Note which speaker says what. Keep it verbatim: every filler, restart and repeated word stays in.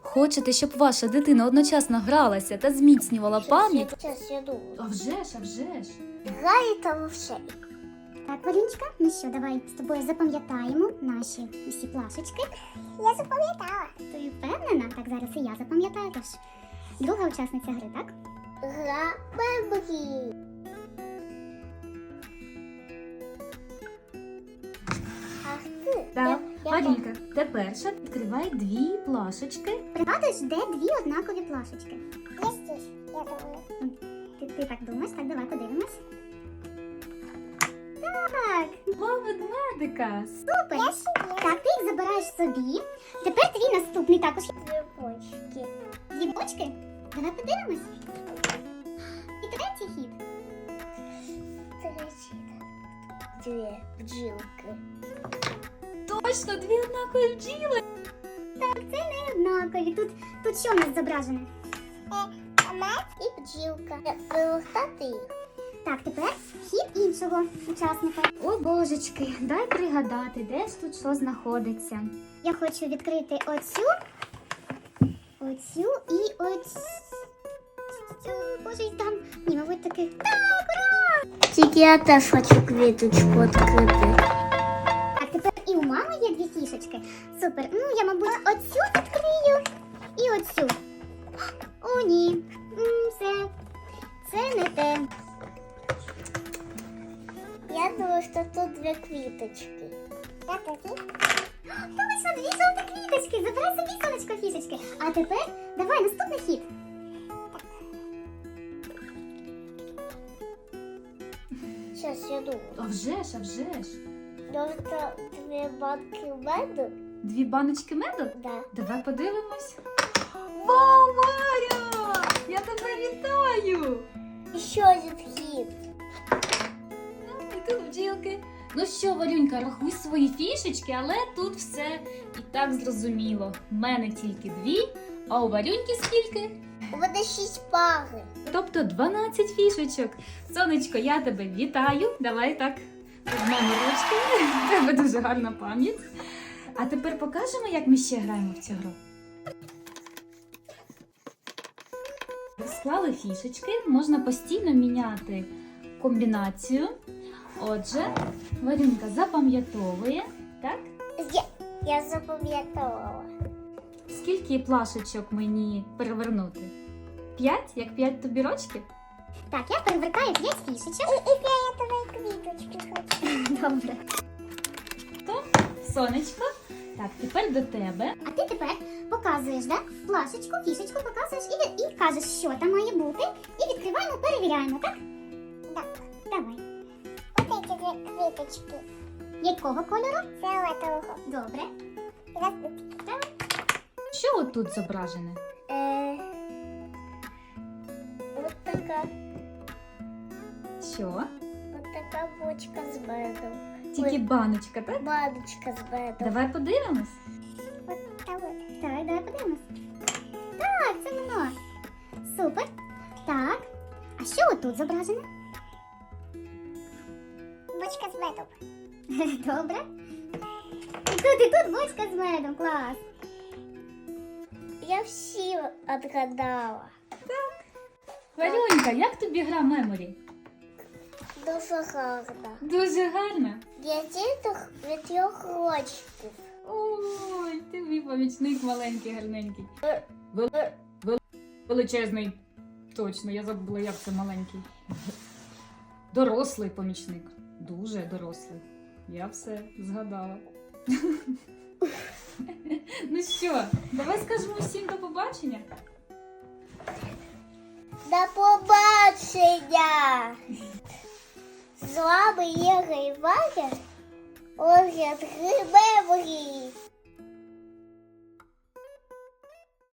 Speaker 1: Хочете, щоб ваша дитина одночасно гралася та зміцнювала пам'ять?
Speaker 2: Сейчас я думаю.
Speaker 1: А вже ж, а вже ж.
Speaker 2: Грає та вовше.
Speaker 3: Так, Валюнечка, ну що, давай з тобою запам'ятаємо наші усі плашечки.
Speaker 2: Я запам'ятала.
Speaker 3: Ти впевнена? Так, зараз і я запам'ятаю. Тож, друга учасниця гри, так?
Speaker 2: Гра меморі. Ах ти.
Speaker 1: Так,
Speaker 2: Я- я
Speaker 1: Марінка, тепер ще відкривай дві плашечки.
Speaker 3: Пригадуєш, де дві однакові плашечки?
Speaker 2: Я здесь, я думаю.
Speaker 3: Ти, ти так думаєш? Так, давай подивимось. Так,
Speaker 1: Два ведмедика.
Speaker 3: супер. Так, ти їх забираєш собі. Тепер твій наступний також.
Speaker 2: Дві почки.
Speaker 3: Дві бочки. Давай подивимось. І третій хід.
Speaker 2: Третій. Дві бджілки.
Speaker 1: Точно, дві однакові бджіли.
Speaker 3: Так, це не однакові. Тут, тут що у нас зображене?
Speaker 2: Мед і бджілка. Вилухтати їх.
Speaker 3: Так, тепер хід іншого учасника.
Speaker 1: О, божечки, дай пригадати, де ж тут що знаходиться.
Speaker 3: Я хочу відкрити оцю, оцю і оцю. Боже, і там. Ні, мабуть, таки. Так, ура!
Speaker 2: Тільки я теж хочу квіточку відкрити.
Speaker 3: Так, тепер і у мами є дві фішечки. Супер. Ну, я, мабуть, оцю відкрию і оцю. О, ні. М, Все. Це не те.
Speaker 2: Я думаю, що тут дві квіточки. Я такі.
Speaker 3: Точно, дві жовті квіточки. Забирай собі, сонечко, фішечки. А тепер давай наступний хід.
Speaker 2: Зараз я думаю.
Speaker 1: А вже ж, а вже ж.
Speaker 2: Може, це дві банки меду?
Speaker 1: Дві баночки меду?
Speaker 2: Да.
Speaker 1: Давай подивимось. Вау, Варя! Я тебе вітаю!
Speaker 2: І ще один хід.
Speaker 1: Ну, і тут бджілки. Ну що, Варюнька, рахуй свої фішечки, але тут все і так зрозуміло. У мене тільки дві, а у Варюньки скільки?
Speaker 2: У мене шість пари.
Speaker 1: Тобто дванадцять фішечок. Сонечко, я тебе вітаю. Давай так візьмемо ручки. У тебе дуже гарна пам'ять. А тепер покажемо, як ми ще граємо в цю гру. Склали фішечки, можна постійно міняти комбінацію. Отже, Варюнька запам'ятовує, так?
Speaker 2: Я, я запам'ятала.
Speaker 1: Скільки плашечок мені перевернути? П'ять? Як п'ять тобі рочків?
Speaker 3: Так, я перевертаю п'ять фішечок.
Speaker 2: І фіолетові квіточки хочу.
Speaker 3: Добре.
Speaker 1: То, сонечко. Так, тепер до тебе.
Speaker 3: А ти тепер показуєш, да? Плашечку, фішечку показуєш і, і кажеш, що там має бути. І відкриваємо, перевіряємо, так?
Speaker 2: Так.
Speaker 3: Давай.
Speaker 2: Ось ці дві квіточки.
Speaker 3: Якого кольору?
Speaker 2: Фіолетового.
Speaker 3: Добре.
Speaker 2: Раз,
Speaker 3: Давай.
Speaker 1: Що отут зображене?
Speaker 2: Е, Ось така,
Speaker 1: Що?
Speaker 2: ось така бочка з медом.
Speaker 1: Тільки
Speaker 2: Ой.
Speaker 1: баночка, так?
Speaker 2: Баночка з медом.
Speaker 1: Давай подивимось.
Speaker 2: Ось та ось.
Speaker 3: Так, давай подивимось. Так, це воно. Супер. Так. А що отут зображено?
Speaker 2: Бочка з медом.
Speaker 3: Добре. І тут, і тут бочка з медом. Клас.
Speaker 2: Я всі відгадала.
Speaker 1: Варюнька, як тобі гра Меморі?
Speaker 2: Дуже гарно.
Speaker 1: Дуже гарна.
Speaker 2: Я діток від трьох рочків.
Speaker 1: Ой, ти мій помічник маленький, гарненький. Вел... Вел... Величезний. Точно, я забула, як це маленький. Дорослий помічник. Дуже дорослий. Я все згадала. Ну що, давай скажемо всім до побачення.
Speaker 2: До побачення! З вами Єга і Ваня. Огляд гри Меморі.